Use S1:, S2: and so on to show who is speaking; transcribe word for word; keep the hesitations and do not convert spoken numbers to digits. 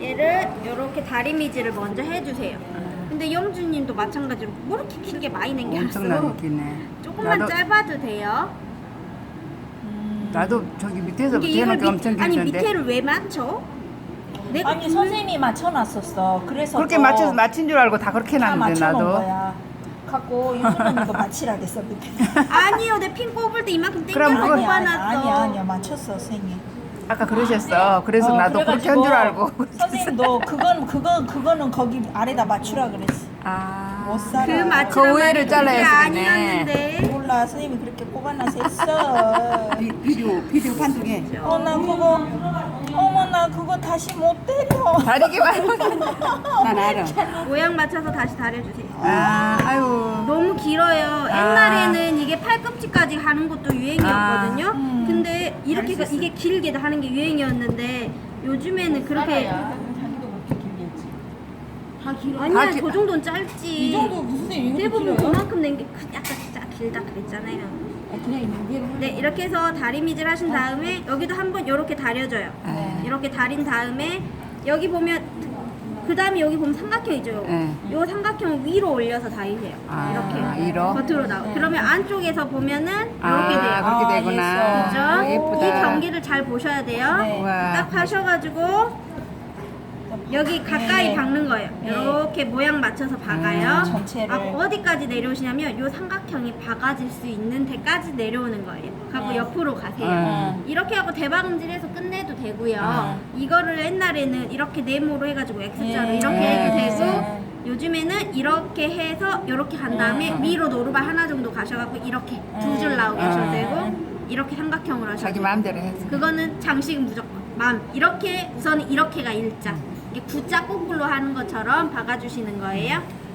S1: 얘를 이렇게 다리미질을 먼저 해주세요. 근데 영주님도 마찬가지로 뭐 이렇게 길게 많이 남겨놨어?
S2: 엄청나게 기네.
S1: 조금만
S2: 나도-
S1: 짧아도 돼요.
S2: 나도 저기 밑에서
S1: 이게 이걸
S2: 밑에는 엄청
S1: 밑, 아니
S2: 길던데.
S1: 밑에를 왜 맞춰? 내가
S3: 아니
S1: 그-
S3: 선생님이 맞춰놨었어. 그래서
S2: 그렇게
S3: 또
S2: 맞춰서 맞힌 줄 알고 다 그렇게
S3: 다
S2: 놨는데
S3: 맞춰놓은
S2: 나도.
S3: 거야. 갖고 유주는 이거 맞히라겠어 밑에.
S1: 아니요, 내 핀 뽑을 때 이만큼
S2: 그럼
S1: 땡겨서
S2: 그건-
S3: 아니야, 아니야,
S1: 뽑아놨어.
S3: 아니야, 아니야, 맞췄어 선생님.
S2: 아까 그러셨어. 그래서
S3: 어,
S2: 나도 그렇게 한 줄 알고.
S3: 선생님도 그건 그건 그거는 거기 아래다 맞추라 그랬어.
S2: 아.
S3: 못 살아.
S1: 그 맞추란
S2: 그 우회를
S1: 말이 그게
S2: 잘라야 되네.
S1: 아니었는데.
S3: 몰라 선생님이 그렇게 뽑아놔서 했어.
S4: 비- 비디오 비디오 판독에
S3: 어 나 그거 어머 나 그거 다시 못 때려.
S2: 다리기만.
S4: 난 알아.
S1: 모양 맞춰서 다시 다려주세요.
S2: 아, 아유.
S1: 너무 길어요. 옛날에는 이게 팔꿈치까지 가는 것도 유행이었거든요.
S3: 아, 음.
S1: 근데 이렇게 가- 이게 길게 하는 게 유행이었는데 요즘에는 그렇게
S3: 다 길어.
S1: 아니야,
S2: 다 기-
S1: 저 정도는 짧지.
S3: 이 정도 무슨 이것도
S1: 대부분
S3: 길어요?
S1: 그만큼 낸 게 약간 진짜 길다 그랬잖아요.
S3: 그냥 무게로.
S1: 네, 이렇게 해서 다리미질 하신 다음에 여기도 한번 이렇게 다려줘요.
S2: 네.
S1: 이렇게 다린 다음에 여기 보면 그 다음에 여기 보면 삼각형이죠.
S2: 네.
S1: 요 삼각형을 위로 올려서 다리세요.
S2: 아,
S1: 이렇게
S2: 위로?
S1: 겉으로 나오. 그러면 안쪽에서 보면은 이렇게
S2: 아,
S1: 돼요.
S2: 그렇게
S3: 아,
S2: 되구나.
S1: 그죠?
S2: 아, 예쁘다.
S1: 이 경기를 잘 보셔야 돼요.
S3: 네.
S2: 우와.
S1: 딱 하셔가지고 여기 가까이
S3: 네.
S1: 박는 거예요.
S3: 네.
S1: 이렇게 모양 맞춰서 박아요.
S3: 음, 전체를.
S1: 아, 어디까지 내려오시냐면 요 삼각형이 박아질 수 있는 데까지 내려오는 거예요. 하고
S3: 네.
S1: 옆으로 가세요.
S2: 음.
S1: 이렇게 하고 대박음질해서 끝내도 되고요.
S3: 음.
S1: 이거를 옛날에는 이렇게 네모로 해가지고 X자로
S3: 네.
S1: 이렇게
S2: 네.
S1: 해도 되고
S3: 네.
S1: 요즘에는 이렇게 해서 이렇게 간 다음에
S2: 음.
S1: 위로 노루발 하나 정도 가셔갖고 이렇게 두 줄 나오게 하셔도
S2: 음.
S1: 되고 이렇게 삼각형으로 하셔도
S2: 자기
S1: 되고
S2: 마음대로 했어.
S1: 그거는 장식은 무조건 맘 이렇게 우선 이렇게가 일자 이게 구자 거꾸로 하는 것처럼 박아주시는 거예요.